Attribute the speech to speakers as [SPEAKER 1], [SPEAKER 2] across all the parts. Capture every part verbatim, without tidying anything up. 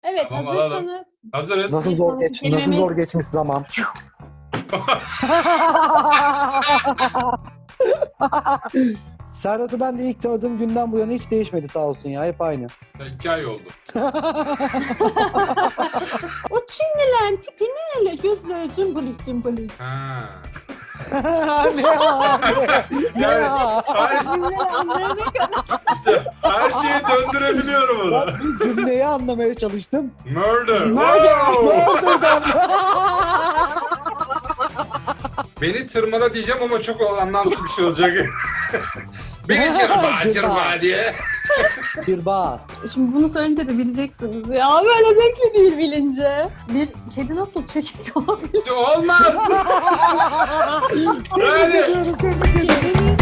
[SPEAKER 1] Evet,
[SPEAKER 2] Tamam, alalım.
[SPEAKER 1] hazırsanız
[SPEAKER 2] Hazırız.
[SPEAKER 3] Nasıl
[SPEAKER 1] Bir
[SPEAKER 3] zor
[SPEAKER 1] sonraki
[SPEAKER 3] geç, nasıl
[SPEAKER 1] kelimemiz-
[SPEAKER 3] zor geçmiş zaman. Serhat'ı ben de ilk tanıdığım günden bu yana hiç değişmedi sağ olsun ya. Hep aynı.
[SPEAKER 2] İki ay oldu.
[SPEAKER 1] o Çinlilerin tipi ne öyle? Gözleri cımbılık cımbılık.
[SPEAKER 2] Ha.
[SPEAKER 3] ne ya? Ne
[SPEAKER 2] Yani
[SPEAKER 3] ya?
[SPEAKER 2] her,
[SPEAKER 1] Cümleler anlayana kadar.
[SPEAKER 2] işte, her şeyi döndürebiliyorum
[SPEAKER 3] Ben
[SPEAKER 2] onu.
[SPEAKER 3] bir cümleyi anlamaya çalıştım.
[SPEAKER 2] Murder.
[SPEAKER 1] Murder.
[SPEAKER 2] Wow.
[SPEAKER 3] Nereden?
[SPEAKER 2] Beni tırmala diyeceğim ama çok anlamsız bir şey olacak. Beni cırma cırma diye.
[SPEAKER 3] Bir bağ.
[SPEAKER 1] Şimdi bunu söyleyince de bileceksiniz ya. Böyle zevkli değil bilince. Bir kedi nasıl çekik olabilir?
[SPEAKER 2] Olmaz.
[SPEAKER 3] Tebrik
[SPEAKER 2] Yani-
[SPEAKER 3] ediyorum, tebrik ediyorum.
[SPEAKER 1] Kedinin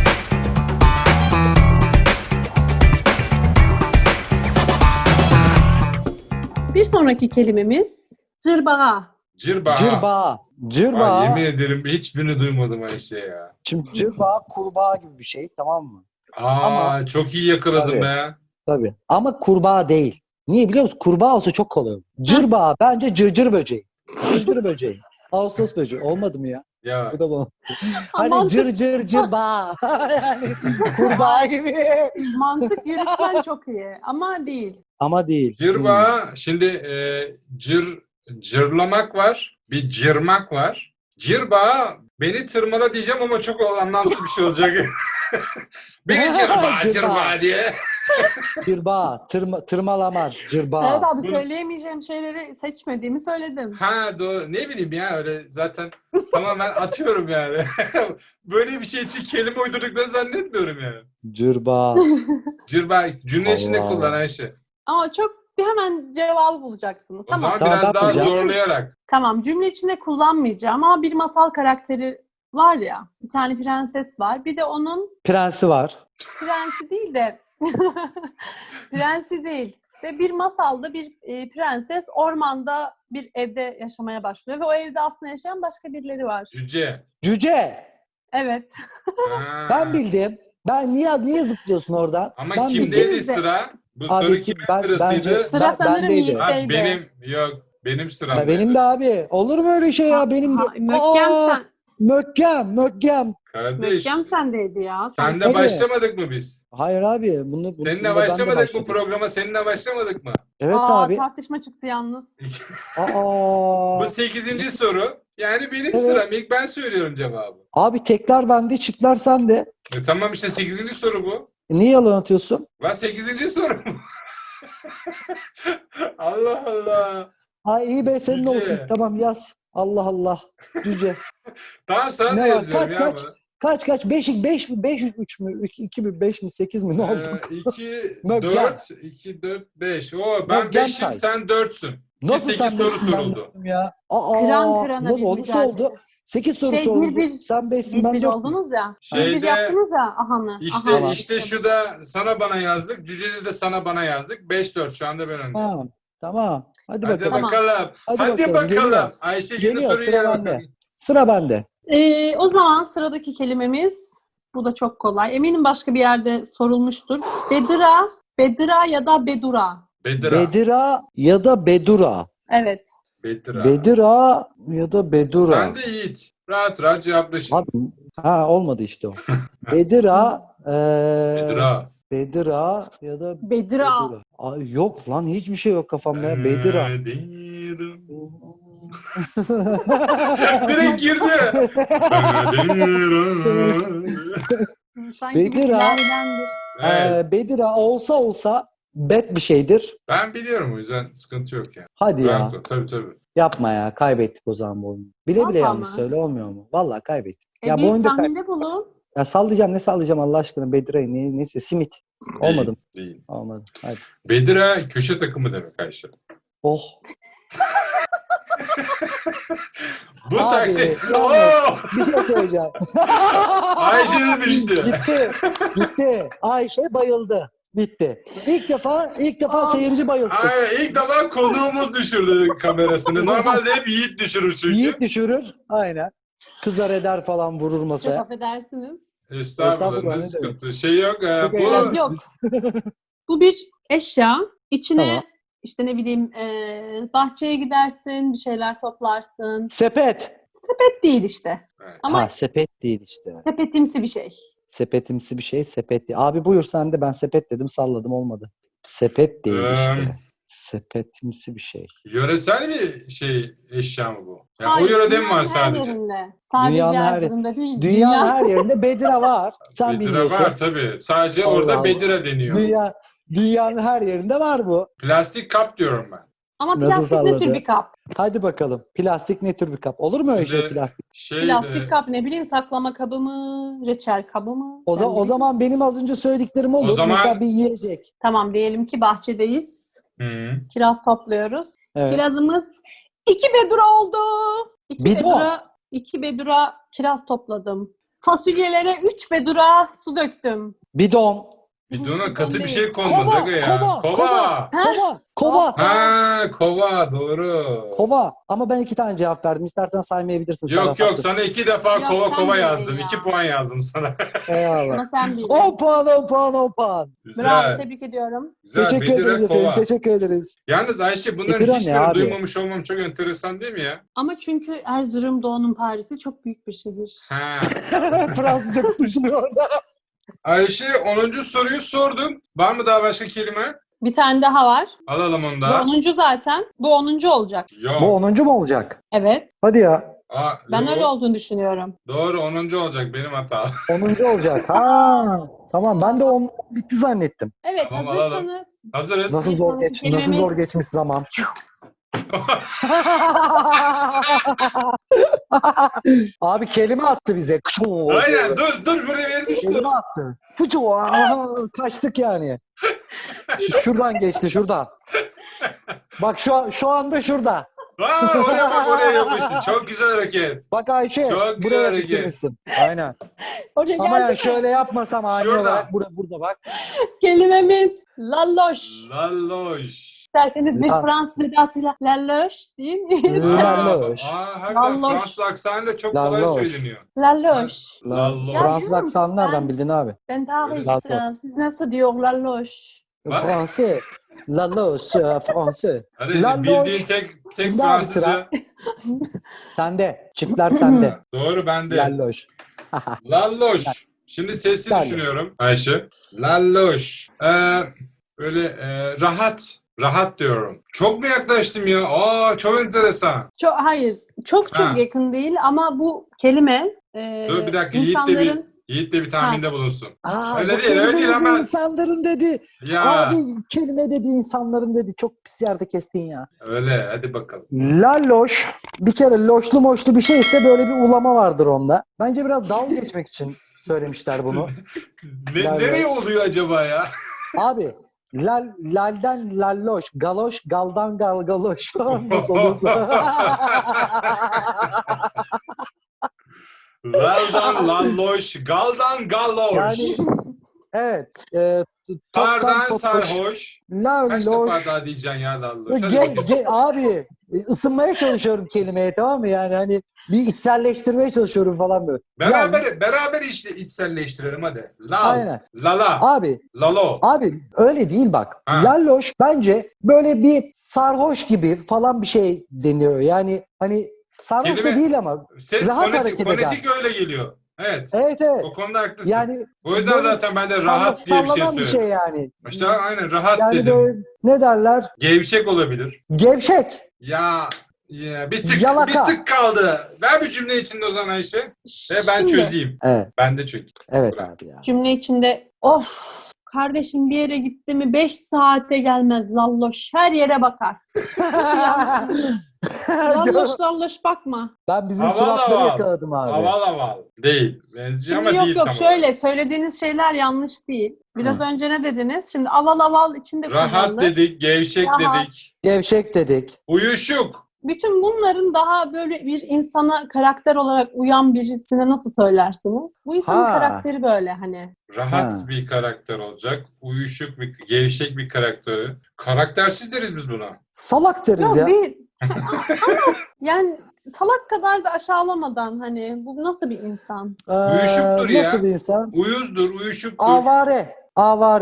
[SPEAKER 1] Bir sonraki kelimemiz cırbağa.
[SPEAKER 2] Cırba.
[SPEAKER 3] Cırbağa.
[SPEAKER 2] Ay,
[SPEAKER 3] Cırbağa.
[SPEAKER 2] yemin ederim hiçbirini duymadım Ayşe ya.
[SPEAKER 3] Şimdi cırbağa kurbağa gibi bir şey, tamam mı?
[SPEAKER 2] Aa,
[SPEAKER 3] Ama-
[SPEAKER 2] çok iyi yakaladım
[SPEAKER 3] Tabii.
[SPEAKER 2] be.
[SPEAKER 3] Tabii. Ama kurbağa değil. Niye biliyor musun? Kurbağa olsa çok kolay olur. Cırbağa bence cırcır böceği. Cırcır böceği. Ağustos böceği. Olmadı mı ya?
[SPEAKER 2] Ya
[SPEAKER 3] Bu da bu.
[SPEAKER 1] Aman
[SPEAKER 3] Hani cır cır cırbağa. Yani kurbağa gibi.
[SPEAKER 1] Mantık yürütmen çok iyi ama değil.
[SPEAKER 3] Ama değil.
[SPEAKER 2] cırba şimdi e, cır cırlamak var. Bir cırmak var. Cırba beni tırmala diyeceğim ama çok anlamsız bir şey olacak. Beni cırba
[SPEAKER 3] Cırba.
[SPEAKER 2] cırba diye.
[SPEAKER 3] Hmm. Cırbağa. Tırma, tırmalama. Cırbağa.
[SPEAKER 1] Evet abi
[SPEAKER 2] Bu-
[SPEAKER 1] söyleyemeyeceğim şeyleri seçmediğimi söyledim.
[SPEAKER 2] Ha doğru. Ne bileyim ya öyle zaten tamamen atıyorum yani. Böyle bir şey için kelime uydurduklarını zannetmiyorum yani.
[SPEAKER 3] Cırbağa.
[SPEAKER 2] Cırba cümle içinde
[SPEAKER 3] Allah
[SPEAKER 2] kullan
[SPEAKER 3] Allah.
[SPEAKER 2] Ayşe.
[SPEAKER 1] Ama çok hemen cevabı bulacaksınız.
[SPEAKER 2] O
[SPEAKER 1] Tamam.
[SPEAKER 2] zaman
[SPEAKER 3] Tamam,
[SPEAKER 2] biraz
[SPEAKER 3] ben
[SPEAKER 2] daha
[SPEAKER 3] bulacağım.
[SPEAKER 2] zorlayarak.
[SPEAKER 1] Tamam. Cümle içinde kullanmayacağım ama bir masal karakteri var ya. Bir tane prenses var. Bir de onun
[SPEAKER 3] Prensi var.
[SPEAKER 1] prensi değil de prensi değil. De bir masalda bir e, prenses ormanda bir evde yaşamaya başlıyor ve o evde aslında yaşayan başka birileri var.
[SPEAKER 2] Cüce.
[SPEAKER 3] Cüce.
[SPEAKER 1] Evet.
[SPEAKER 2] Ha.
[SPEAKER 3] Ben bildim. Ben niye niye zıplıyorsun oradan?
[SPEAKER 2] Ama
[SPEAKER 3] ben
[SPEAKER 2] kimdeydi
[SPEAKER 3] bildim.
[SPEAKER 1] İkimiz de.
[SPEAKER 2] sıra? Bu
[SPEAKER 3] Abi
[SPEAKER 2] soru
[SPEAKER 3] kim-
[SPEAKER 2] kimin
[SPEAKER 3] ben-
[SPEAKER 2] sırasıydı?
[SPEAKER 3] bence-
[SPEAKER 1] Sıra
[SPEAKER 3] Ben-
[SPEAKER 1] sanırım
[SPEAKER 3] bendeydi.
[SPEAKER 1] Yiğit'teydi.
[SPEAKER 2] Ha, benim yok benim sıram.
[SPEAKER 3] Ya benim de abi. Olur mu öyle şey ya?
[SPEAKER 1] Ha-
[SPEAKER 3] Benim de.
[SPEAKER 1] ha, Mökkem
[SPEAKER 3] Aa,
[SPEAKER 1] sen.
[SPEAKER 3] Mökkem, mökkem.
[SPEAKER 2] Kardeş.
[SPEAKER 1] Mökkem sendeydi ya. Sen-
[SPEAKER 2] Senle
[SPEAKER 3] Tabii.
[SPEAKER 2] başlamadık mı biz?
[SPEAKER 3] Hayır abi. Bunu, bunu,
[SPEAKER 2] Seninle
[SPEAKER 3] bunda ben de
[SPEAKER 2] başlamadık mı
[SPEAKER 3] başladım.
[SPEAKER 2] programa? Seninle başlamadık mı?
[SPEAKER 3] Evet
[SPEAKER 1] Aa,
[SPEAKER 3] abi.
[SPEAKER 1] tartışma çıktı yalnız.
[SPEAKER 3] Aa.
[SPEAKER 2] Bu sekizinci soru. Yani benim
[SPEAKER 3] Evet.
[SPEAKER 2] sıram. İlk ben söylüyorum cevabı.
[SPEAKER 3] Abi tekler bende, çiftler sende.
[SPEAKER 2] E, tamam işte sekizinci soru bu.
[SPEAKER 3] E, niye yalan atıyorsun?
[SPEAKER 2] Lan sekizinci soru bu. Allah Allah.
[SPEAKER 3] Ha iyi be senin
[SPEAKER 2] Cüce.
[SPEAKER 3] olsun. Tamam yaz. Allah Allah. Cüce.
[SPEAKER 2] Tamam sana
[SPEAKER 3] Ne
[SPEAKER 2] da
[SPEAKER 3] var?
[SPEAKER 2] yazıyorum
[SPEAKER 3] Kaç,
[SPEAKER 2] ya.
[SPEAKER 3] kaç?
[SPEAKER 2] bu.
[SPEAKER 3] Kaç kaç? beş, beş mi? beş, üç mü? iki mi? beş mi? sekiz mi? Ne oldu?
[SPEAKER 2] Ee, iki,
[SPEAKER 3] Mökkem.
[SPEAKER 2] dört, iki, dört, beş. Oo, ben
[SPEAKER 3] Mökkem
[SPEAKER 2] beşim,
[SPEAKER 3] say.
[SPEAKER 2] sen dörtsün.
[SPEAKER 3] Nasıl
[SPEAKER 2] sekiz
[SPEAKER 3] sen
[SPEAKER 2] soru
[SPEAKER 3] beşsin ben
[SPEAKER 2] soruldu.
[SPEAKER 3] dörtüm ya? Aa,
[SPEAKER 1] Kıran kırana
[SPEAKER 3] nasıl
[SPEAKER 1] bir
[SPEAKER 3] oldu?
[SPEAKER 1] mücadele.
[SPEAKER 3] oldu? sekiz soru
[SPEAKER 1] Şey,
[SPEAKER 3] soruldu.
[SPEAKER 1] bir bir-
[SPEAKER 3] Sen beşsin
[SPEAKER 1] Bir
[SPEAKER 3] ben
[SPEAKER 1] bir
[SPEAKER 3] dört.
[SPEAKER 1] oldunuz ya. Bir
[SPEAKER 2] Şeyde-
[SPEAKER 1] bir yaptınız ya Ahan'ı.
[SPEAKER 2] İşte
[SPEAKER 1] Ahan.
[SPEAKER 2] işte şu da sana bana yazdık. Cüce'de de sana bana yazdık. beş dört şu anda ben öndeyim.
[SPEAKER 3] Tamam. Tamam. Hadi,
[SPEAKER 2] Hadi
[SPEAKER 3] bakalım.
[SPEAKER 1] Tamam.
[SPEAKER 2] bakalım. Hadi,
[SPEAKER 3] Hadi bakalım,
[SPEAKER 2] bakalım.
[SPEAKER 3] geliyor.
[SPEAKER 2] Ayşe yine
[SPEAKER 3] Geliyor,
[SPEAKER 2] soruyu
[SPEAKER 3] sıra
[SPEAKER 2] yer
[SPEAKER 3] bende.
[SPEAKER 2] bakalım.
[SPEAKER 3] Sıra bende.
[SPEAKER 1] Ee, o zaman sıradaki kelimemiz, bu da çok kolay. Eminim başka bir yerde sorulmuştur. Bedira, Bedira ya da Bedura.
[SPEAKER 2] Bedira.
[SPEAKER 3] Bedira ya da Bedura.
[SPEAKER 1] Evet.
[SPEAKER 2] Bedira.
[SPEAKER 3] Bedira ya da Bedura.
[SPEAKER 2] Ben de Yiğit. Rahat rahat cevaplaşın.
[SPEAKER 3] Abi, ha olmadı işte o. Bedira, eee
[SPEAKER 2] Bedira.
[SPEAKER 3] Bedira ya da
[SPEAKER 1] Bedira.
[SPEAKER 3] Bedura. Ay, yok lan hiçbir şey yok kafamda ya. Bedira.
[SPEAKER 2] Bedira. Direkt girdi.
[SPEAKER 1] Sanki bir
[SPEAKER 3] Bedira.
[SPEAKER 1] ilahidendir.
[SPEAKER 2] Evet.
[SPEAKER 3] Eee, Bedira olsa olsa bet bir şeydir.
[SPEAKER 2] Ben biliyorum o yüzden sıkıntı yok yani.
[SPEAKER 3] Hadi ya.
[SPEAKER 2] Rahat ol. Tabii tabii.
[SPEAKER 3] Yapma ya. Kaybettik o zaman bu oyunu. Bile bile
[SPEAKER 1] Vallahi
[SPEAKER 3] yanlış
[SPEAKER 1] mi?
[SPEAKER 3] söyle olmuyor mu? Vallahi kaybettik.
[SPEAKER 1] E,
[SPEAKER 3] ya bu
[SPEAKER 1] bir
[SPEAKER 3] oyunda kay-
[SPEAKER 1] tahminde bulun.
[SPEAKER 3] ya sallayacağım ne sallayacağım Allah aşkına Bedira'yı ne, neyse simit. Olmadı mı?
[SPEAKER 2] Değil, değil.
[SPEAKER 3] Olmadı. Hadi.
[SPEAKER 2] Bedira köşe takımı demek Ayşe.
[SPEAKER 3] Oh.
[SPEAKER 2] Bu
[SPEAKER 3] Abi,
[SPEAKER 2] taktik.
[SPEAKER 3] yalnız-
[SPEAKER 2] Oo!
[SPEAKER 3] Bir şey söyleyeceğim.
[SPEAKER 2] Ayşe de düştü.
[SPEAKER 3] Gitti. Gitti. Ayşe bayıldı. Bitti. İlk defa ilk defa seyirci bayıldı.
[SPEAKER 2] Ay, ilk defa konuğumuz düşürdü kamerasını. Normalde hep Yiğit düşürür çünkü.
[SPEAKER 3] Yiğit düşürür. Aynen. Kızar eder falan vurur
[SPEAKER 1] Çok
[SPEAKER 3] masaya.
[SPEAKER 1] affedersiniz.
[SPEAKER 2] Estağfurullah,
[SPEAKER 3] Estağfurullah,
[SPEAKER 2] ne
[SPEAKER 3] ne
[SPEAKER 2] sıkıntı. Şey yok. e,
[SPEAKER 3] Çok
[SPEAKER 2] bu
[SPEAKER 3] eğlendik
[SPEAKER 1] Yok.
[SPEAKER 3] biz.
[SPEAKER 1] Bu bir eşya. İçine
[SPEAKER 3] Tamam.
[SPEAKER 1] işte ne bileyim e, bahçeye gidersin, bir şeyler toplarsın.
[SPEAKER 3] Sepet.
[SPEAKER 1] Sepet değil işte.
[SPEAKER 2] Evet.
[SPEAKER 1] Ama
[SPEAKER 3] Ha, sepet değil işte.
[SPEAKER 1] sepetimsi bir şey.
[SPEAKER 3] Sepetimsi bir şey, sepet değil. Abi buyur sen de, ben sepet dedim, salladım, olmadı. Sepet değil
[SPEAKER 2] Eee,
[SPEAKER 3] işte. Sepetimsi bir şey.
[SPEAKER 2] Yöresel bir şey eşya mı bu? Ya o
[SPEAKER 1] Hayır,
[SPEAKER 2] yörede mi var
[SPEAKER 1] dünyanın her
[SPEAKER 2] sadece?
[SPEAKER 1] yerinde. Sadece
[SPEAKER 3] Dünyanın her-
[SPEAKER 1] Erzurum'da değil.
[SPEAKER 3] Dünyanın
[SPEAKER 1] Dünya.
[SPEAKER 3] her yerinde Bedira var. Sen
[SPEAKER 2] Bedira
[SPEAKER 3] bilmiyorsun.
[SPEAKER 2] var tabii. Sadece
[SPEAKER 3] Allah
[SPEAKER 2] orada
[SPEAKER 3] Allah.
[SPEAKER 2] Bedira deniyor.
[SPEAKER 3] Dünya, dünyanın her yerinde var bu.
[SPEAKER 2] Plastik kap diyorum ben.
[SPEAKER 1] Ama
[SPEAKER 3] Nasıl
[SPEAKER 1] plastik ne tür
[SPEAKER 3] salladı?
[SPEAKER 1] bir kap?
[SPEAKER 3] Hadi bakalım. Plastik ne tür bir kap? Olur mu öyle şey
[SPEAKER 2] Şimdi
[SPEAKER 3] plastik?
[SPEAKER 2] şey
[SPEAKER 1] Plastik
[SPEAKER 2] e,
[SPEAKER 1] kap ne bileyim saklama kabı mı, reçel kabı mı?
[SPEAKER 3] O,
[SPEAKER 1] Ben
[SPEAKER 3] za-
[SPEAKER 1] ne
[SPEAKER 3] o
[SPEAKER 1] bileyim.
[SPEAKER 3] zaman benim az önce söylediklerim olur.
[SPEAKER 2] zaman-
[SPEAKER 3] Mesela bir yiyecek.
[SPEAKER 1] Tamam diyelim ki bahçedeyiz.
[SPEAKER 2] hı.
[SPEAKER 1] Kiraz topluyoruz.
[SPEAKER 3] Evet.
[SPEAKER 1] Kirazımız iki bedura oldu. İki
[SPEAKER 3] Bidon.
[SPEAKER 1] bedura, iki bedura kiraz topladım. Fasulyelere üç bedura su döktüm.
[SPEAKER 3] Bidon.
[SPEAKER 2] Bidona
[SPEAKER 1] Bidon
[SPEAKER 2] katı bir
[SPEAKER 1] değil.
[SPEAKER 2] şey konmaz
[SPEAKER 3] Kova,
[SPEAKER 2] aga ya.
[SPEAKER 3] kova,
[SPEAKER 2] Kova.
[SPEAKER 3] Kova. Kova.
[SPEAKER 2] Ha, kova doğru.
[SPEAKER 3] Kova. Ama ben iki tane cevap verdim. İstersen saymayabilirsin.
[SPEAKER 2] Yok
[SPEAKER 3] Serhat,
[SPEAKER 2] yok
[SPEAKER 3] haklısın.
[SPEAKER 2] sana iki defa
[SPEAKER 1] Yok,
[SPEAKER 2] kova
[SPEAKER 1] sen
[SPEAKER 2] kova
[SPEAKER 1] bildin
[SPEAKER 2] yazdım.
[SPEAKER 1] ya.
[SPEAKER 2] İki puan yazdım sana.
[SPEAKER 3] Eyvallah.
[SPEAKER 1] Ama sen bildin.
[SPEAKER 3] on puan, on puan, on puan.
[SPEAKER 1] Bravo,
[SPEAKER 2] Güzel.
[SPEAKER 1] tebrik ediyorum.
[SPEAKER 2] Güzel.
[SPEAKER 3] Teşekkür
[SPEAKER 2] Bedira
[SPEAKER 3] ederiz efendim.
[SPEAKER 2] kova.
[SPEAKER 3] Teşekkür ederiz.
[SPEAKER 2] Yalnız Ayşe bunların
[SPEAKER 3] Bedira ne
[SPEAKER 2] hiçbirini
[SPEAKER 3] abi?
[SPEAKER 2] duymamış olmam çok enteresan değil mi ya?
[SPEAKER 1] Ama çünkü Erzurum Doğu'nun Paris'i çok büyük bir şehir.
[SPEAKER 2] Ha.
[SPEAKER 3] Fransızca konuşuluyor orada.
[SPEAKER 2] Ayşe onuncu soruyu sordun. Var mı daha başka kelime?
[SPEAKER 1] Bir tane daha var.
[SPEAKER 2] Alalım onu
[SPEAKER 1] Bu
[SPEAKER 2] da.
[SPEAKER 1] onuncu zaten. Bu onuncu olacak.
[SPEAKER 2] Yok.
[SPEAKER 3] Bu onuncu mu olacak?
[SPEAKER 1] Evet.
[SPEAKER 3] Hadi ya.
[SPEAKER 2] Aa,
[SPEAKER 1] Ben
[SPEAKER 2] yok.
[SPEAKER 1] öyle olduğunu düşünüyorum.
[SPEAKER 2] Doğru onuncu olacak benim hata.
[SPEAKER 3] onuncu olacak. Ha. Tamam, ben de on bitti zannettim.
[SPEAKER 1] Evet,
[SPEAKER 2] Tamam,
[SPEAKER 1] hazırsanız.
[SPEAKER 2] Hazırız.
[SPEAKER 3] Nasıl zor
[SPEAKER 1] sonraki
[SPEAKER 3] geç, nasıl
[SPEAKER 1] kelimemiz-
[SPEAKER 3] zor geçmiş zaman. Abi kelime attı bize.
[SPEAKER 2] Aynen dur dur buraya vermiş dur.
[SPEAKER 3] Kelime attı. Fıçı, aha, kaçtık yani. Ş- Şuradan geçti, şuradan. Bak şu an, şu anda şurada.
[SPEAKER 2] Aa, oraya bak oraya yapmıştı. Çok güzel hareket.
[SPEAKER 3] Bak Ayşe,
[SPEAKER 2] Çok güzel
[SPEAKER 3] buraya
[SPEAKER 2] hareket.
[SPEAKER 3] yapıştırmışsın. Aynen.
[SPEAKER 1] Oraya
[SPEAKER 3] Ama yani
[SPEAKER 1] geldi mi?
[SPEAKER 3] şöyle yapmasam ani
[SPEAKER 2] Şurada.
[SPEAKER 3] olarak burada, burada bak.
[SPEAKER 1] Kelimemiz lalloş.
[SPEAKER 2] Lalloş.
[SPEAKER 1] İsterseniz bir
[SPEAKER 3] La-
[SPEAKER 1] Fransız edasıyla lalloş değil mi?
[SPEAKER 3] La-
[SPEAKER 2] Aa,
[SPEAKER 3] Lalloş.
[SPEAKER 2] aa, harbiden
[SPEAKER 1] Lalloş.
[SPEAKER 2] Fransız aksanıyla çok kolay
[SPEAKER 3] Lalloş.
[SPEAKER 2] söyleniyor.
[SPEAKER 1] Lalloş.
[SPEAKER 2] Lalloş.
[SPEAKER 1] Ya
[SPEAKER 3] Fransız
[SPEAKER 1] diyorum,
[SPEAKER 3] aksanı
[SPEAKER 1] ben-
[SPEAKER 3] nereden bildin abi?
[SPEAKER 1] Ben Paris.
[SPEAKER 3] Lalloş.
[SPEAKER 1] e, Siz nasıl diyor lalloş?
[SPEAKER 2] Bak.
[SPEAKER 3] Fransız. Lalloş, e, Fransız.
[SPEAKER 2] Hadi
[SPEAKER 3] Lalloş.
[SPEAKER 2] bildiğin tek tek
[SPEAKER 3] Bunda abi sıra.
[SPEAKER 2] Fransızca.
[SPEAKER 3] Sende. Çiftler sende.
[SPEAKER 2] Doğru bende.
[SPEAKER 3] Lalloş.
[SPEAKER 2] Lalloş. Şimdi sesli
[SPEAKER 3] Lalloş.
[SPEAKER 2] düşünüyorum Ayşe. Lalloş. Ee, böyle e, rahat. Rahat diyorum. Çok mu yaklaştım ya? Aa çok enteresan.
[SPEAKER 1] Çok, hayır. Çok çok
[SPEAKER 2] Ha.
[SPEAKER 1] yakın değil ama bu kelime e,
[SPEAKER 2] Dur bir dakika Yiğit de
[SPEAKER 1] insanların
[SPEAKER 2] bir, Yiğit de bir tahminde bulunsun.
[SPEAKER 3] Aa,
[SPEAKER 2] Öyle
[SPEAKER 3] bu
[SPEAKER 2] değil, öyle
[SPEAKER 3] kelime
[SPEAKER 2] değil
[SPEAKER 3] dedi,
[SPEAKER 2] ama-
[SPEAKER 3] insanların dedi.
[SPEAKER 2] Ya
[SPEAKER 3] Abi kelime dedi, insanların dedi. Çok pis yerde kestin ya.
[SPEAKER 2] öyle hadi bakalım.
[SPEAKER 3] Lalloş. Bir kere loşlu moşlu bir şeyse böyle bir ulama vardır onda. Bence biraz dalga geçmek için söylemişler bunu.
[SPEAKER 2] Ne,
[SPEAKER 3] Lalloş.
[SPEAKER 2] nereye oluyor acaba ya?
[SPEAKER 3] Abi lal, lalden lalloş, galoş, galdan gal galoş. Nasıl olursa.
[SPEAKER 2] Laldan lalloş, galdan galloş.
[SPEAKER 3] Yani evet. E, toptan
[SPEAKER 2] Sardan
[SPEAKER 3] topuş,
[SPEAKER 2] sarhoş. Kaç
[SPEAKER 3] lalloş.
[SPEAKER 2] defa daha diyeceksin ya lalloş? Hadi
[SPEAKER 3] Ge,
[SPEAKER 2] bakayım.
[SPEAKER 3] ge, abi ısınmaya çalışıyorum kelimeye, tamam mı? Yani hani bir içselleştirmeye çalışıyorum falan böyle.
[SPEAKER 2] Beraber
[SPEAKER 3] Yani,
[SPEAKER 2] beraber işte içselleştirelim hadi. Lal,
[SPEAKER 3] aynen.
[SPEAKER 2] lala,
[SPEAKER 3] Abi
[SPEAKER 2] lalo.
[SPEAKER 3] Abi öyle değil bak.
[SPEAKER 2] Ha.
[SPEAKER 3] Lalloş bence böyle bir sarhoş gibi falan bir şey deniyor. Yani hani sarhoş da
[SPEAKER 2] Kelime-
[SPEAKER 3] değil ama.
[SPEAKER 2] Ses
[SPEAKER 3] rahat
[SPEAKER 2] fonetik,
[SPEAKER 3] hareket
[SPEAKER 2] fonetik öyle geliyor. Evet.
[SPEAKER 3] Evet evet.
[SPEAKER 2] O konuda haklısın.
[SPEAKER 3] Yani
[SPEAKER 2] o yüzden
[SPEAKER 3] böyle
[SPEAKER 2] zaten ben de rahat diye bir şey
[SPEAKER 3] sallanan bir
[SPEAKER 2] söyledim.
[SPEAKER 3] şey yani.
[SPEAKER 2] İşte aynen rahat
[SPEAKER 3] Yani
[SPEAKER 2] dedim.
[SPEAKER 3] böyle ne derler?
[SPEAKER 2] Gevşek olabilir.
[SPEAKER 3] Gevşek.
[SPEAKER 2] Ya, ya bir tık
[SPEAKER 3] Yalaka.
[SPEAKER 2] bir tık kaldı. Ver bir cümle içinde o zaman Ayşe. Ve ben
[SPEAKER 1] Şimdi,
[SPEAKER 2] çözeyim.
[SPEAKER 3] Evet.
[SPEAKER 2] Ben de çözeyim.
[SPEAKER 3] Evet
[SPEAKER 2] Bırak.
[SPEAKER 3] abi ya.
[SPEAKER 1] cümle içinde of kardeşim bir yere gitti mi beş saate gelmez lalloş. Her yere bakar. Lalloş lalloş bakma.
[SPEAKER 3] Ben bizim
[SPEAKER 2] Aval
[SPEAKER 3] suratları
[SPEAKER 2] aval.
[SPEAKER 3] yakaladım abi.
[SPEAKER 2] Aval aval. Değil. Benziyor
[SPEAKER 1] Şimdi
[SPEAKER 2] ama
[SPEAKER 1] yok
[SPEAKER 2] değil
[SPEAKER 1] yok
[SPEAKER 2] tam
[SPEAKER 1] şöyle
[SPEAKER 2] olarak.
[SPEAKER 1] söylediğiniz şeyler yanlış değil. Biraz
[SPEAKER 3] Hı.
[SPEAKER 1] önce ne dediniz? Şimdi aval aval içinde
[SPEAKER 2] Rahat
[SPEAKER 1] kullanılır.
[SPEAKER 2] dedik, gevşek
[SPEAKER 1] Rahat.
[SPEAKER 2] dedik.
[SPEAKER 3] Gevşek dedik.
[SPEAKER 2] Uyuşuk.
[SPEAKER 1] Bütün bunların daha böyle bir insana karakter olarak uyan birisine nasıl söylersiniz? Bu insanın
[SPEAKER 3] Ha.
[SPEAKER 1] karakteri böyle hani.
[SPEAKER 2] Rahat
[SPEAKER 3] Ha.
[SPEAKER 2] bir karakter olacak. Uyuşuk bir, gevşek bir karakter. Karaktersiz deriz biz buna.
[SPEAKER 3] Salak deriz
[SPEAKER 1] Yok
[SPEAKER 3] ya.
[SPEAKER 1] değil. Ama yani salak kadar da aşağılamadan hani bu nasıl bir insan?
[SPEAKER 3] Ee,
[SPEAKER 2] Uyuşuktur ya.
[SPEAKER 3] Nasıl bir insan?
[SPEAKER 2] Uyuzdur, uyuşuktur.
[SPEAKER 3] Avare. Avare.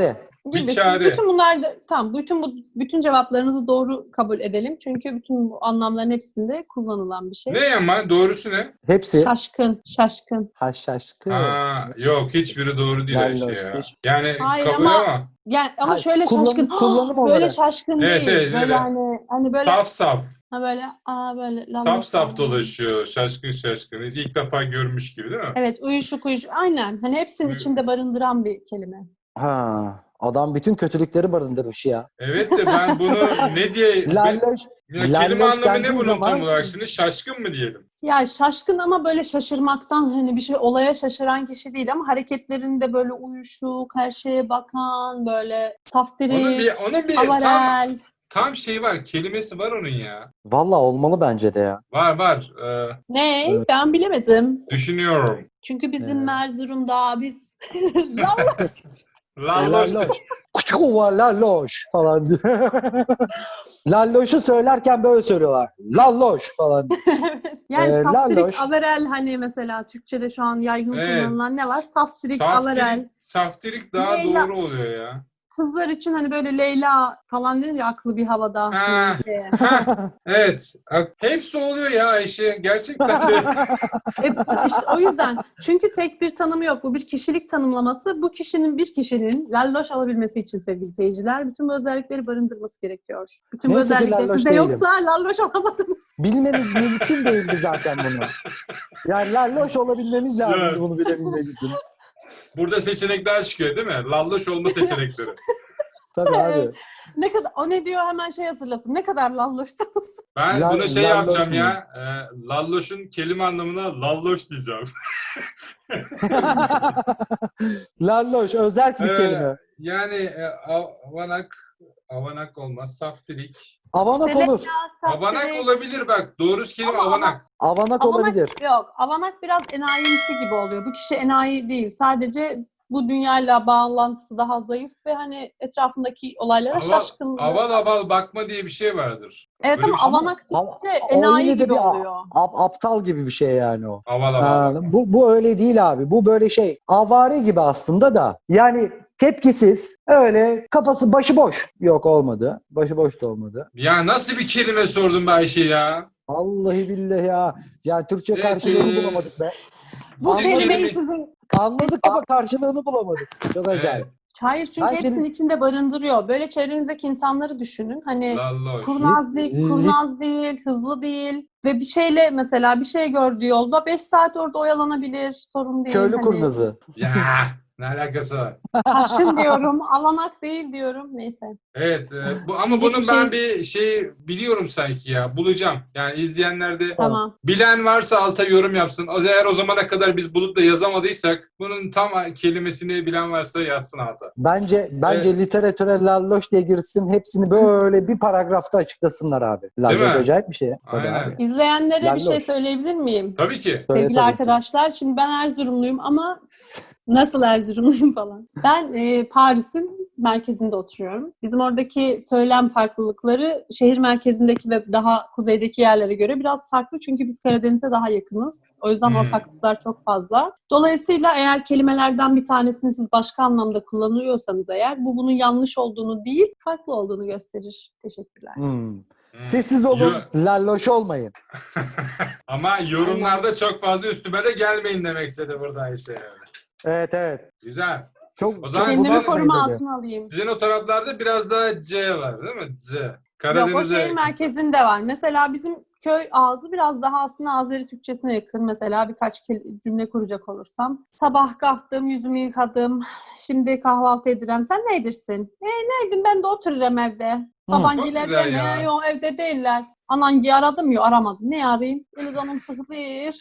[SPEAKER 2] Bir
[SPEAKER 1] Gibi.
[SPEAKER 2] çare.
[SPEAKER 1] Bütün bunlar da tamam. Bütün bu bütün cevaplarınızı doğru kabul edelim. Çünkü bütün bu anlamların hepsinde kullanılan bir şey.
[SPEAKER 2] Ne ama doğrusu ne?
[SPEAKER 3] Hepsi.
[SPEAKER 1] Şaşkın, şaşkın.
[SPEAKER 3] Ha şaşkın.
[SPEAKER 2] Aa, yok hiçbiri doğru değil Ayşe
[SPEAKER 3] Lalloş,
[SPEAKER 2] ya.
[SPEAKER 3] hiç-
[SPEAKER 2] Yani
[SPEAKER 1] Hayır
[SPEAKER 2] kabul
[SPEAKER 1] ama-
[SPEAKER 2] ama
[SPEAKER 1] Yani ama
[SPEAKER 3] Hayır,
[SPEAKER 1] şöyle
[SPEAKER 3] kullanım-
[SPEAKER 1] şaşkın.
[SPEAKER 3] kullanım
[SPEAKER 1] böyle
[SPEAKER 3] olarak.
[SPEAKER 1] şaşkın
[SPEAKER 2] Evet,
[SPEAKER 1] değil.
[SPEAKER 2] evet,
[SPEAKER 1] böyle
[SPEAKER 2] öyle.
[SPEAKER 1] hani hani böyle
[SPEAKER 2] saf saf.
[SPEAKER 1] ha böyle aa böyle lalloş
[SPEAKER 2] Saf saf
[SPEAKER 1] falan.
[SPEAKER 2] dolaşıyor. Şaşkın şaşkın. İlk defa görmüş gibi değil mi?
[SPEAKER 1] Evet, uyuşuk uyuşuk. Aynen. Hani hepsinin
[SPEAKER 2] Uy-
[SPEAKER 1] içinde barındıran bir kelime.
[SPEAKER 3] Ha, adam bütün kötülükleri barındırmış ya.
[SPEAKER 2] Evet de ben bunu ne diye...
[SPEAKER 3] Lalloş.
[SPEAKER 2] Ya kelime
[SPEAKER 3] Lalloş
[SPEAKER 2] anlamı ne
[SPEAKER 3] dendiği
[SPEAKER 2] bunun tam
[SPEAKER 3] zaman-
[SPEAKER 2] olarak şimdi? Şaşkın mı diyelim?
[SPEAKER 1] Ya şaşkın ama böyle şaşırmaktan hani bir şey olaya şaşıran kişi değil ama hareketlerinde böyle uyuşuk, her şeye bakan, böyle saftirik,
[SPEAKER 2] Onun bir, onun bir tam,
[SPEAKER 1] avarel.
[SPEAKER 2] tam şey var. Kelimesi var onun ya.
[SPEAKER 3] Vallahi olmalı bence de ya.
[SPEAKER 2] Var var. Ee,
[SPEAKER 1] Ne?
[SPEAKER 3] Evet.
[SPEAKER 1] Ben bilemedim.
[SPEAKER 2] düşünüyorum.
[SPEAKER 1] Çünkü bizim
[SPEAKER 3] Evet.
[SPEAKER 1] Erzurum'da biz lalloş.
[SPEAKER 2] Lalloş.
[SPEAKER 3] Lalloş. Kuçuva lalloş falan diye. Lalloş'u söylerken böyle söylüyorlar. Lalloş falan.
[SPEAKER 1] Yani
[SPEAKER 3] Ee,
[SPEAKER 1] saftirik,
[SPEAKER 3] lalloş.
[SPEAKER 1] avarel hani mesela Türkçe'de şu an yaygın
[SPEAKER 2] Evet.
[SPEAKER 1] kullanılan ne var? Saftirik, avarel.
[SPEAKER 2] Saftirik, saftirik daha
[SPEAKER 1] Leyla-
[SPEAKER 2] doğru oluyor ya.
[SPEAKER 1] Kızlar için hani böyle Leyla falan denir ya aklı bir havada.
[SPEAKER 2] Ha.
[SPEAKER 1] diye.
[SPEAKER 2] Ha, evet. Hepsi oluyor ya Ayşe. Gerçekten de.
[SPEAKER 1] E, t- işte o yüzden. Çünkü tek bir tanımı yok. Bu bir kişilik tanımlaması. Bu kişinin bir kişinin lalloş alabilmesi için sevgili seyirciler bütün bu özellikleri barındırması gerekiyor. Bütün bu
[SPEAKER 3] Neyse ki
[SPEAKER 1] özellikler
[SPEAKER 3] lalloş
[SPEAKER 1] sizde
[SPEAKER 3] değilim.
[SPEAKER 1] yoksa lalloş olamadınız.
[SPEAKER 3] Bilmemiz mümkün değildi zaten bunu. Yani lalloş olabilmemiz lazımdı
[SPEAKER 2] Evet.
[SPEAKER 3] bunu bilebilmek için.
[SPEAKER 2] Burada seçenekler çıkıyor değil mi? Lalloş olma seçenekleri.
[SPEAKER 3] Tabii abi.
[SPEAKER 1] Evet. Ne kadar o ne diyor hemen şey hazırlasın. Ne kadar lalloşsunuz.
[SPEAKER 2] Ben
[SPEAKER 3] La-
[SPEAKER 2] buna şey
[SPEAKER 3] lalloş
[SPEAKER 2] yapacağım
[SPEAKER 3] mu?
[SPEAKER 2] ya. E, lalloş'un kelime anlamına lalloş diyeceğim.
[SPEAKER 3] Lalloş özel bir
[SPEAKER 2] Ee,
[SPEAKER 3] kelime.
[SPEAKER 2] Yani e, avanak, avanak olmaz. Saftirik.
[SPEAKER 3] Avanak
[SPEAKER 1] İşte
[SPEAKER 3] olur.
[SPEAKER 1] Leyla,
[SPEAKER 2] Avanak
[SPEAKER 1] saftirik.
[SPEAKER 2] olabilir bak. Doğrusu kelime
[SPEAKER 1] Ama
[SPEAKER 2] avanak.
[SPEAKER 3] Avanak olabilir.
[SPEAKER 1] Yok. Avanak biraz enayimsi gibi oluyor. Bu kişi enayi değil. Sadece bu dünyayla bağlantısı daha zayıf ve hani etrafındaki olaylara
[SPEAKER 2] Aval,
[SPEAKER 1] şaşkın.
[SPEAKER 2] aval aval bakma diye bir şey vardır.
[SPEAKER 1] Evet
[SPEAKER 2] Öyle
[SPEAKER 1] ama
[SPEAKER 2] bir şey mi?
[SPEAKER 1] avanak
[SPEAKER 3] Av-
[SPEAKER 1] deyince
[SPEAKER 3] o
[SPEAKER 1] enayi
[SPEAKER 3] yine de
[SPEAKER 1] gibi
[SPEAKER 3] bir a-
[SPEAKER 1] oluyor.
[SPEAKER 3] ap- aptal gibi bir şey yani o.
[SPEAKER 2] Aval aval.
[SPEAKER 3] Ha,
[SPEAKER 2] bak.
[SPEAKER 3] bu, bu öyle değil abi. Bu böyle şey avare gibi aslında da. Yani tepkisiz öyle kafası başıboş. Yok olmadı. Başıboş da olmadı.
[SPEAKER 2] Ya nasıl bir kelime sordun be Ayşe ya?
[SPEAKER 3] Vallahi billahi ya. Ya Türkçe
[SPEAKER 2] Evet,
[SPEAKER 3] karşılığını
[SPEAKER 2] e,
[SPEAKER 3] bulamadık be.
[SPEAKER 1] Bu
[SPEAKER 3] Anladım.
[SPEAKER 1] kelimeyi
[SPEAKER 2] kelime-
[SPEAKER 1] sizin...
[SPEAKER 3] Anladık ama karşılığını bulamadık. Çok acayip.
[SPEAKER 2] Evet.
[SPEAKER 1] Hayır çünkü
[SPEAKER 3] Ben
[SPEAKER 1] hepsinin
[SPEAKER 3] kelim-
[SPEAKER 1] içinde barındırıyor. Böyle çevrenizdeki insanları düşünün. Hani
[SPEAKER 2] Lalloş.
[SPEAKER 1] kurnaz değil,
[SPEAKER 3] Lit-
[SPEAKER 1] kurnaz değil, hızlı değil. Ve bir şeyle mesela bir şey gördüğü yolda beş saat orada oyalanabilir. Sorun değil.
[SPEAKER 3] Köylü
[SPEAKER 1] Hani
[SPEAKER 3] kurnazı.
[SPEAKER 2] Ya ne alakası var?
[SPEAKER 1] Aşkın diyorum. Avanak değil diyorum. Neyse.
[SPEAKER 2] Evet. e, bu, ama
[SPEAKER 1] Diyecek
[SPEAKER 2] bunun
[SPEAKER 1] bir
[SPEAKER 2] ben
[SPEAKER 1] şey-
[SPEAKER 2] bir şey biliyorum sanki ya. Bulacağım. Yani izleyenler de
[SPEAKER 1] Tamam.
[SPEAKER 2] bilen varsa alta yorum yapsın. O eğer o zamana kadar biz bulup da yazamadıysak bunun tam kelimesini bilen varsa yazsın alta.
[SPEAKER 3] Bence bence
[SPEAKER 2] Evet.
[SPEAKER 3] literatüre lalloş diye girsin. Hepsini böyle bir paragrafta açıklasınlar abi. Lalloş
[SPEAKER 2] mi?
[SPEAKER 3] acayip bir şey. Tabii
[SPEAKER 2] Aynen.
[SPEAKER 3] abi.
[SPEAKER 1] İzleyenlere bir şey
[SPEAKER 3] Lalloş.
[SPEAKER 1] söyleyebilir miyim?
[SPEAKER 2] Tabii ki.
[SPEAKER 3] Söyle
[SPEAKER 1] Sevgili
[SPEAKER 3] tabii ki.
[SPEAKER 1] arkadaşlar, şimdi ben Erzurumluyum ama nasıl Erzurumluyum falan. Ben e, Paris'in merkezinde oturuyorum. Bizim oradaki söylem farklılıkları şehir merkezindeki ve daha kuzeydeki yerlere göre biraz farklı. Çünkü biz Karadeniz'e daha yakınız. O yüzden
[SPEAKER 2] Hmm.
[SPEAKER 1] ortaklıklar çok fazla. Dolayısıyla eğer kelimelerden bir tanesini siz başka anlamda kullanıyorsanız eğer bu bunun yanlış olduğunu değil, farklı olduğunu gösterir. Teşekkürler.
[SPEAKER 3] Hmm.
[SPEAKER 2] Hmm.
[SPEAKER 3] Sessiz olun.
[SPEAKER 2] Yo-
[SPEAKER 3] Lalloş olmayın.
[SPEAKER 2] Ama yorumlarda çok fazla üstüme de gelmeyin demek istedi burada Ayşe yani.
[SPEAKER 3] Evet evet.
[SPEAKER 2] Güzel.
[SPEAKER 3] Çok,
[SPEAKER 2] O zaman
[SPEAKER 3] çok
[SPEAKER 1] Kendimi
[SPEAKER 3] uzatmayın
[SPEAKER 1] koruma
[SPEAKER 3] dedi.
[SPEAKER 1] altına alayım.
[SPEAKER 2] Sizin o taraflarda biraz daha C var değil mi? C.
[SPEAKER 1] Yok o
[SPEAKER 2] Karadeniz'e
[SPEAKER 1] şehir
[SPEAKER 2] yakın.
[SPEAKER 1] merkezinde var. Mesela bizim köy ağzı biraz daha aslında Azeri Türkçesine yakın. Mesela birkaç kel- cümle kuracak olursam. Sabah kalktım, yüzümü yıkadım. Şimdi kahvaltı edirem. Sen neydirsin? E neydim ben de otururum evde. Babaangiler
[SPEAKER 2] Çok güzel
[SPEAKER 1] deme.
[SPEAKER 2] ya.
[SPEAKER 1] Yok evde değiller. Anangi aradım ya aramadım. Ne arayayım? Beni canım sıkılır.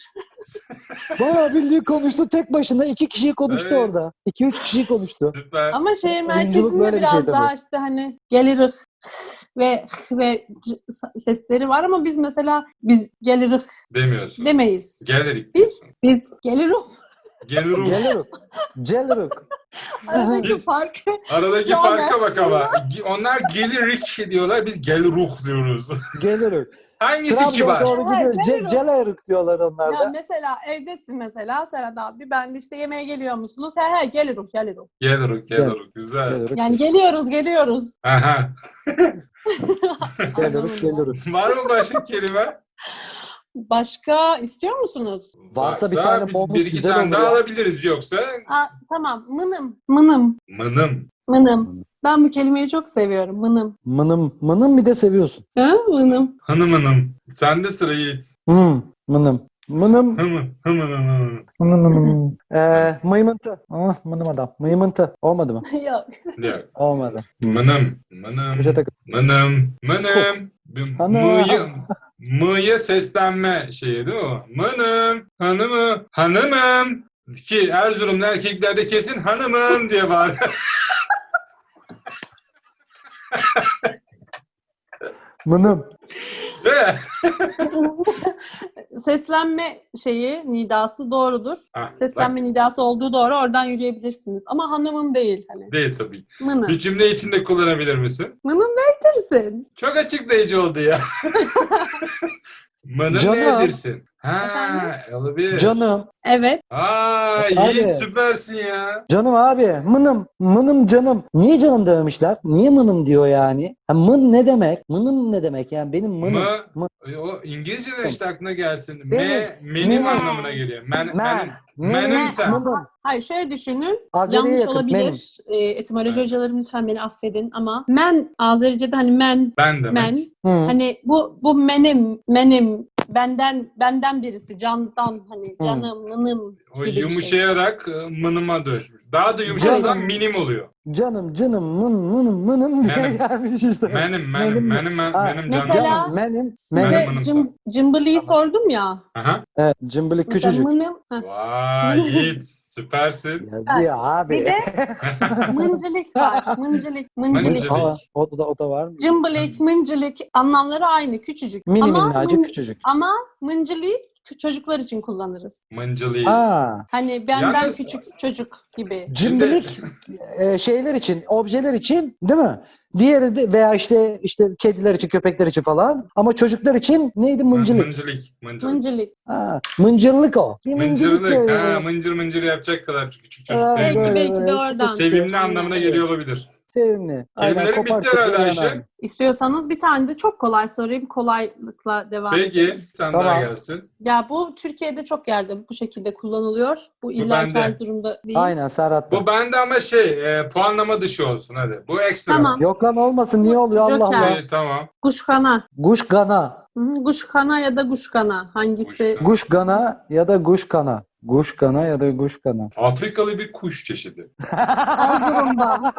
[SPEAKER 3] Bayağı bildiği konuştu tek başına. iki kişiyi konuştu
[SPEAKER 2] Evet.
[SPEAKER 3] orada. İki üç kişiyi konuştu.
[SPEAKER 2] Süper.
[SPEAKER 1] Ama şehir
[SPEAKER 3] Oyunculuk
[SPEAKER 1] merkezinde
[SPEAKER 3] böyle bir
[SPEAKER 1] biraz
[SPEAKER 3] şey tabii.
[SPEAKER 1] daha işte hani gelirik ve ve c- sesleri var ama biz mesela biz gelirik
[SPEAKER 2] Demiyorsun.
[SPEAKER 1] demeyiz.
[SPEAKER 2] Gelirik.
[SPEAKER 1] Biz biz gelirik.
[SPEAKER 2] Gelirik.
[SPEAKER 3] Geliruk. Geliruk.
[SPEAKER 1] Aradaki
[SPEAKER 2] Biz-
[SPEAKER 1] fark.
[SPEAKER 2] Aradaki
[SPEAKER 1] Ya
[SPEAKER 2] farka
[SPEAKER 1] ben-
[SPEAKER 2] bak ama. Onlar gelirik diyorlar, biz geliruh diyoruz.
[SPEAKER 3] Geliruk.
[SPEAKER 2] Hangisi
[SPEAKER 3] Trabzon'a
[SPEAKER 2] kibar?
[SPEAKER 3] doğru gidiyor.
[SPEAKER 1] Evet,
[SPEAKER 3] Ce-
[SPEAKER 1] Celero.
[SPEAKER 3] Celeruk diyorlar onlar
[SPEAKER 1] Ya
[SPEAKER 3] da.
[SPEAKER 1] mesela evdesin mesela Serhat abi. Ben de işte yemeğe geliyor musunuz? He he geliyoruz geliyoruz.
[SPEAKER 2] Geliruk, geliruk. Güzel.
[SPEAKER 3] Celeruk.
[SPEAKER 1] Yani geliyoruz geliyoruz.
[SPEAKER 2] Aha.
[SPEAKER 3] Geliruk,
[SPEAKER 1] Anlamında.
[SPEAKER 3] geliruk.
[SPEAKER 2] Var mı başka kelime?
[SPEAKER 1] Başka istiyor musunuz?
[SPEAKER 3] Varsa bir tane bonus
[SPEAKER 2] bir iki
[SPEAKER 3] güzel
[SPEAKER 2] tane
[SPEAKER 3] olur
[SPEAKER 2] daha
[SPEAKER 3] ya.
[SPEAKER 2] alabiliriz yoksa
[SPEAKER 1] Aa, tamam mınım mınım
[SPEAKER 2] mınım.
[SPEAKER 1] mınım. Ben bu kelimeyi çok seviyorum mınım.
[SPEAKER 3] Mınım. Mınım bir de seviyorsun.
[SPEAKER 1] Ha mınım.
[SPEAKER 2] Hanım hanım. Sende sıra Yiğit.
[SPEAKER 3] Hı, mınım. Mınım.
[SPEAKER 2] Hımı, hımı, hımı.
[SPEAKER 3] Mınım. Mınım. Ee, mıymıntı. Ah, mınım adam. Mıymıntı. Olmadı mı?
[SPEAKER 1] Yok.
[SPEAKER 2] Yok.
[SPEAKER 3] Olmadı.
[SPEAKER 2] Mınım, mınım,
[SPEAKER 3] Köşe takım.
[SPEAKER 2] mınım, mınım. Bir
[SPEAKER 3] Hanım.
[SPEAKER 2] Mı'yı, mı'ya seslenme şeyi değil mi o? Mınım, hanımı, hanımım. Ki Erzurumlu erkeklerde kesin hanımım diye bağırıyor.
[SPEAKER 3] Mınım.
[SPEAKER 2] Değil mi?
[SPEAKER 1] Seslenme şeyi nidası doğrudur.
[SPEAKER 2] Ha,
[SPEAKER 1] Seslenme nidası olduğu doğru oradan yürüyebilirsiniz. Ama hanımım değil hani.
[SPEAKER 2] bak, değil tabii.
[SPEAKER 1] Mınım.
[SPEAKER 2] Bir cümle içinde kullanabilir misin?
[SPEAKER 1] Mınım neydirsin?
[SPEAKER 2] Çok açıklayıcı oldu ya. Mınım
[SPEAKER 3] Canım.
[SPEAKER 2] nedirsin? Ha,
[SPEAKER 1] Efendim?
[SPEAKER 2] olabilir.
[SPEAKER 3] Canım.
[SPEAKER 1] Evet.
[SPEAKER 2] Aa,
[SPEAKER 3] Abi.
[SPEAKER 2] Yiğit süpersin ya.
[SPEAKER 3] Canım abi. Mınım. Mınım canım. Niye canım dememişler? Niye mınım diyor yani? Ha, mın ne demek? Mınım ne demek? Yani benim mınım.
[SPEAKER 2] Mı,
[SPEAKER 3] Mı-
[SPEAKER 2] o İngilizce'den işte aklına gelsin.
[SPEAKER 3] Benim.
[SPEAKER 2] Me, menim
[SPEAKER 3] Me.
[SPEAKER 2] anlamına geliyor. Men,
[SPEAKER 3] Men.
[SPEAKER 2] menim.
[SPEAKER 3] Menim.
[SPEAKER 2] Menim sen.
[SPEAKER 3] Mınım.
[SPEAKER 1] Hayır şöyle düşünün.
[SPEAKER 3] Azeri'ye
[SPEAKER 1] Yanlış
[SPEAKER 3] yakın,
[SPEAKER 1] olabilir.
[SPEAKER 3] menim.
[SPEAKER 1] E, etimoloji
[SPEAKER 2] Evet.
[SPEAKER 1] hocalarım lütfen beni affedin ama men Azerice'de hani men
[SPEAKER 2] Ben demek.
[SPEAKER 1] men
[SPEAKER 3] Hı.
[SPEAKER 1] hani bu bu menim menim benden benden birisi candan hani
[SPEAKER 3] Hı.
[SPEAKER 1] canım mınım
[SPEAKER 2] O
[SPEAKER 1] gibi bir şey.
[SPEAKER 2] yumuşayarak e, mınıma dönüşmüş. Daha da yumuşarsan
[SPEAKER 3] Canım.
[SPEAKER 2] minim oluyor.
[SPEAKER 3] Canım canım mın mınım mınım diye
[SPEAKER 2] Menim.
[SPEAKER 3] gelmiş işte.
[SPEAKER 2] Menim, menim,
[SPEAKER 3] Menim.
[SPEAKER 2] menim, men-
[SPEAKER 3] Ha.
[SPEAKER 2] menim canım.
[SPEAKER 1] Mesela-
[SPEAKER 3] Canım menim.
[SPEAKER 1] Size
[SPEAKER 2] Menim,
[SPEAKER 3] Menim.
[SPEAKER 2] mınım
[SPEAKER 1] cım, cımbılıyı sordum ya.
[SPEAKER 2] Aha.
[SPEAKER 3] Evet, cımbılık
[SPEAKER 1] Mesela
[SPEAKER 3] küçücük.
[SPEAKER 1] mınım. heh.
[SPEAKER 2] Vay Yiğit, süpersin.
[SPEAKER 3] Yazıyor abi.
[SPEAKER 1] Bir de mıncılık var. Mıncılık, mıncılık.
[SPEAKER 2] Mıncılık.
[SPEAKER 3] Aa, o da o da var mı?
[SPEAKER 1] Cımbılık, mıncılık anlamları aynı, küçücük.
[SPEAKER 3] Mini
[SPEAKER 1] ama
[SPEAKER 3] minnacık
[SPEAKER 1] mın-
[SPEAKER 3] küçücük.
[SPEAKER 1] ama mıncılığı çocuklar için kullanırız.
[SPEAKER 2] Mıncılı.
[SPEAKER 3] Aa,
[SPEAKER 1] Hani benden
[SPEAKER 2] Yalnız-
[SPEAKER 1] küçük çocuk gibi.
[SPEAKER 3] cimrilik e, şeyler için, objeler için değil mi? Diğeri de veya işte işte kediler için, köpekler için falan. Ama çocuklar için neydi? Mıncılık.
[SPEAKER 2] Mıncılık. Mıncılık.
[SPEAKER 1] Mıncılık.
[SPEAKER 3] Ha, mıncırlık o. Bir mıncırlık
[SPEAKER 2] Mıncırlık.
[SPEAKER 3] böyle.
[SPEAKER 2] Ha, mıncır mıncır yapacak kadar küçük çocuk.
[SPEAKER 3] Ha,
[SPEAKER 1] Belki
[SPEAKER 2] Sevimli.
[SPEAKER 3] böyle,
[SPEAKER 1] belki de
[SPEAKER 3] böyle
[SPEAKER 1] oradan.
[SPEAKER 3] çıtır çıtır.
[SPEAKER 2] Sevimli anlamına geliyor olabilir.
[SPEAKER 3] Sevimli. Aynen,
[SPEAKER 2] Kelimelerin
[SPEAKER 3] kopar
[SPEAKER 2] bitti herhalde
[SPEAKER 3] köşeye
[SPEAKER 2] Ayşe.
[SPEAKER 3] yanar.
[SPEAKER 1] İstiyorsanız bir tane de çok kolay sorayım. Kolaylıkla devam
[SPEAKER 2] Peki,
[SPEAKER 1] edelim.
[SPEAKER 2] bir tane
[SPEAKER 3] Tamam.
[SPEAKER 2] daha gelsin.
[SPEAKER 1] Ya bu Türkiye'de çok yerde bu şekilde kullanılıyor. Bu illa
[SPEAKER 2] bende.
[SPEAKER 1] Erzurum'da değil.
[SPEAKER 3] Aynen Serhat.
[SPEAKER 2] Bu bende ama şey, e, puanlama dışı olsun hadi. Bu ekstra.
[SPEAKER 1] Tamam.
[SPEAKER 3] Yok lan olmasın. Niye oluyor Allah
[SPEAKER 1] Joker.
[SPEAKER 3] Allah.
[SPEAKER 2] İyi, tamam.
[SPEAKER 1] Guşkana.
[SPEAKER 3] Guş gana.
[SPEAKER 1] Hı hı, Guşkana ya da guşkana. Hangisi?
[SPEAKER 2] Guşkana.
[SPEAKER 3] Guş gana ya da guş kana. Guş kana ya da guş kana.
[SPEAKER 2] Afrikalı bir kuş çeşidi.
[SPEAKER 1] Erzurum'da.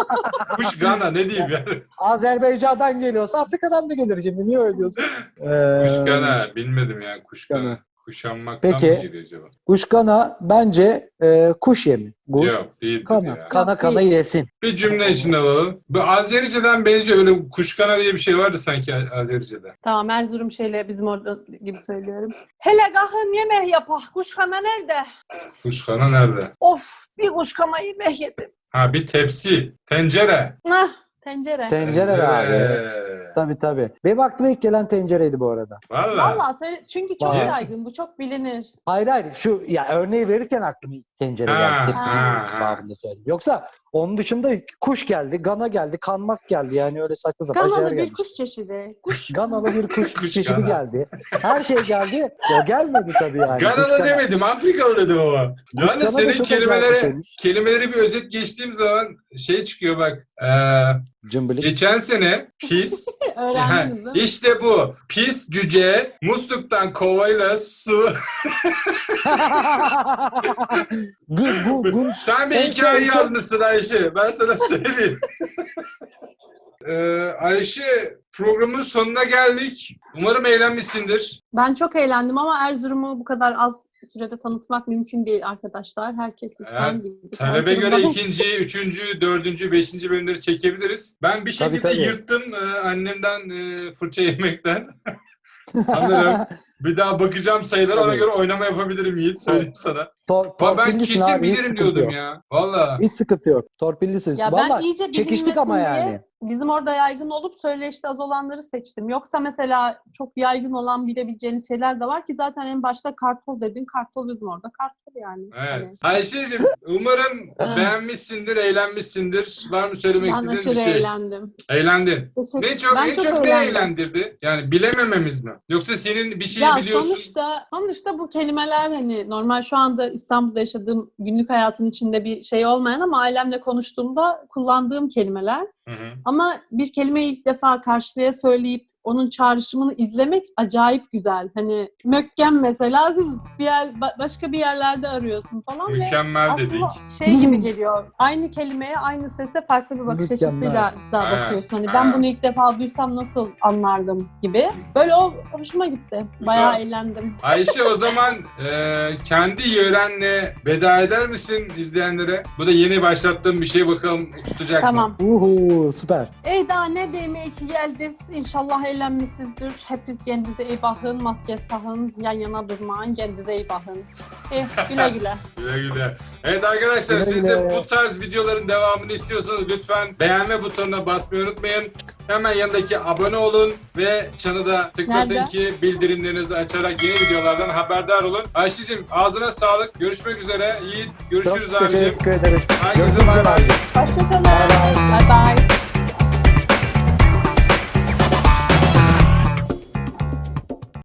[SPEAKER 2] Kuş Gana ne diyeyim yani.
[SPEAKER 3] Azerbaycan'dan geliyorsa Afrika'dan da gelir şimdi. Niye öyle diyorsun? Ee,
[SPEAKER 2] Kuş Gana bilmedim ya kuş Gana.
[SPEAKER 3] Gana.
[SPEAKER 2] Kuşanmaktan
[SPEAKER 3] Peki.
[SPEAKER 2] mı geliyor acaba?
[SPEAKER 3] Guş kana bence e, kuş yemi. Guş
[SPEAKER 2] Yok değil
[SPEAKER 3] kana.
[SPEAKER 2] ya.
[SPEAKER 3] Kana
[SPEAKER 1] Yok,
[SPEAKER 3] kana
[SPEAKER 1] değil.
[SPEAKER 3] yesin.
[SPEAKER 2] Bir cümle içinde alalım. Bu Azerice'den benziyor. Öyle kuşkana diye bir şey vardı sanki Azerice'de.
[SPEAKER 1] Tamam Erzurum şeyle bizim orada gibi söylüyorum. Hele kahın yemek yapak. Kuşkana nerede?
[SPEAKER 2] Kuşkana nerede?
[SPEAKER 1] Of bir kuşkana yemek yedim.
[SPEAKER 2] Ha bir tepsi. Tencere.
[SPEAKER 1] Nah tencere.
[SPEAKER 3] Tencere abi. Tabii tabii. Benim aklıma ilk gelen tencereydi bu arada.
[SPEAKER 2] Valla.
[SPEAKER 1] Vallahi söyle çünkü çok
[SPEAKER 3] Vallahi.
[SPEAKER 1] yaygın. Bu çok bilinir.
[SPEAKER 3] Hayır hayır şu ya örneği verirken aklıma ilk tencere
[SPEAKER 2] Ha,
[SPEAKER 3] geldi. Hepsini
[SPEAKER 2] ha, ha.
[SPEAKER 3] babında söyledim. Yoksa onun dışında kuş geldi, gana geldi, kanmak geldi. Yani öyle saçma sapan şeyler
[SPEAKER 1] Ganalı bir
[SPEAKER 3] gelmiş.
[SPEAKER 1] kuş çeşidi. Kuş.
[SPEAKER 3] Ganalı bir kuş,
[SPEAKER 2] Kuş
[SPEAKER 3] çeşidi
[SPEAKER 2] gana.
[SPEAKER 3] geldi. Her şey geldi. O gelmedi tabii yani. Kuş
[SPEAKER 2] Ganalı
[SPEAKER 3] gana.
[SPEAKER 2] demedim. Afrikalı dedim ama.
[SPEAKER 3] Kuş
[SPEAKER 2] Yani
[SPEAKER 3] gana da
[SPEAKER 2] senin
[SPEAKER 3] çok acayip bir
[SPEAKER 2] kelimeleri,
[SPEAKER 3] şeymiş.
[SPEAKER 2] kelimeleri bir özet geçtiğim zaman şey çıkıyor bak. Ee,
[SPEAKER 3] Cımbılık.
[SPEAKER 2] geçen sene pis.
[SPEAKER 1] Öğrendiniz değil mi?
[SPEAKER 2] işte bu. Pis cüce musluktan kovayla su.
[SPEAKER 3] Gu, gu, gu.
[SPEAKER 2] Sen bir
[SPEAKER 3] En
[SPEAKER 2] hikaye
[SPEAKER 3] son çok-
[SPEAKER 2] yazmışsın Ayşe. Ben sana söyleyeyim. ee, Ayşe programın sonuna geldik. Umarım eğlenmişsindir.
[SPEAKER 1] Ben çok eğlendim ama Erzurum'u bu kadar az sürede tanıtmak mümkün değil arkadaşlar. Herkes lütfen
[SPEAKER 2] Evet,
[SPEAKER 1] gidip
[SPEAKER 2] Talebe göre
[SPEAKER 1] Erzurum'dan-
[SPEAKER 2] ikinci, üçüncü, dördüncü, beşinci bölümleri çekebiliriz. Ben bir
[SPEAKER 3] Tabii,
[SPEAKER 2] şekilde
[SPEAKER 3] tabii.
[SPEAKER 2] yırttım e, annemden e, fırça yemekten. Sanırım. Bir daha bakacağım sayılara ona
[SPEAKER 3] Tabii.
[SPEAKER 2] göre oynama yapabilirim Yiğit. Söyleyeyim sana.
[SPEAKER 3] Tor,
[SPEAKER 2] Ama ben
[SPEAKER 3] torpillisin
[SPEAKER 2] kesin
[SPEAKER 3] abi, hiç
[SPEAKER 2] bilirim
[SPEAKER 3] sıkıntı
[SPEAKER 2] diyordum
[SPEAKER 3] yok.
[SPEAKER 2] ya. Valla.
[SPEAKER 3] Hiç sıkıntı yok. Torpillisin.
[SPEAKER 1] Ya ben
[SPEAKER 3] Vallahi
[SPEAKER 1] iyice
[SPEAKER 3] çekiştik ama
[SPEAKER 1] bilinmesin
[SPEAKER 3] yani.
[SPEAKER 1] diye bizim orada yaygın olup söyleşte az olanları seçtim. Yoksa mesela çok yaygın olan bilebileceğiniz şeyler de var ki zaten en başta kartol dedin. Kartol bizim orada kartol yani.
[SPEAKER 2] Evet.
[SPEAKER 1] Hani
[SPEAKER 2] Ayşe'cim umarım beğenmişsindir, eğlenmişsindir. Var mı söylemek
[SPEAKER 1] ben
[SPEAKER 2] istediğin
[SPEAKER 1] aşırı
[SPEAKER 2] bir şey?
[SPEAKER 1] eğlendim.
[SPEAKER 2] Eğlendin.
[SPEAKER 1] Teşekkür-
[SPEAKER 2] Ne çok,
[SPEAKER 1] ben
[SPEAKER 2] en çok, ne
[SPEAKER 1] eğlendim.
[SPEAKER 2] eğlendirdi? Yani bilemememiz mi? Yoksa senin bir şeyi
[SPEAKER 1] Ya
[SPEAKER 2] biliyorsun.
[SPEAKER 1] sonuçta sonuçta bu kelimeler hani normal şu anda İstanbul'da yaşadığım günlük hayatın içinde bir şey olmayan ama ailemle konuştuğumda kullandığım kelimeler.
[SPEAKER 2] Hı hı.
[SPEAKER 1] Ama bir kelimeyi ilk defa karşıya söyleyip onun çağrışımını izlemek acayip güzel. Hani mökkem mesela siz bir yer, ba- başka bir yerlerde arıyorsun falan ve
[SPEAKER 2] Mükemmel dedik.
[SPEAKER 1] aslında şey gibi geliyor. Aynı kelimeye, aynı sese farklı bir bakış
[SPEAKER 3] Mükemmel.
[SPEAKER 1] açısıyla da
[SPEAKER 2] Evet,
[SPEAKER 1] bakıyorsun. Hani
[SPEAKER 2] evet.
[SPEAKER 1] ben bunu ilk defa duysam nasıl anlardım gibi. Böyle o hoşuma gitti. Bayağı
[SPEAKER 2] Güzel.
[SPEAKER 1] eğlendim.
[SPEAKER 2] Ayşe o zaman e, kendi yörenle veda eder misin izleyenlere? Bu da yeni başlattığım bir şey, bakalım tutacak mı?
[SPEAKER 1] Tamam.
[SPEAKER 3] Uhu süper.
[SPEAKER 1] Ey daha ne demeye ki geldiniz. İnşallah eğlenmişsinizdir. Hepiniz kendinize iyi bakın. Maske takın. Yan yana durmayın. Kendinize iyi bakın. Eh, güle güle.
[SPEAKER 2] Güle güle. Evet arkadaşlar,
[SPEAKER 3] Güle
[SPEAKER 2] siz
[SPEAKER 3] güle.
[SPEAKER 2] de bu tarz videoların devamını istiyorsanız lütfen beğenme butonuna basmayı unutmayın. Hemen yanındaki abone olun ve çanı da tıklatın
[SPEAKER 1] Nerede?
[SPEAKER 2] ki bildirimlerinizi açarak yeni videolardan haberdar olun. Ayşe'cim ağzına sağlık. Görüşmek üzere. Yiğit görüşürüz
[SPEAKER 3] Çok
[SPEAKER 2] abicim.
[SPEAKER 3] teşekkür ederiz.
[SPEAKER 2] Herkese
[SPEAKER 3] Görüşmek
[SPEAKER 2] bay
[SPEAKER 3] üzere.
[SPEAKER 2] bay.
[SPEAKER 1] Hoşçakalın.
[SPEAKER 3] Bye bye.
[SPEAKER 1] Bye bye.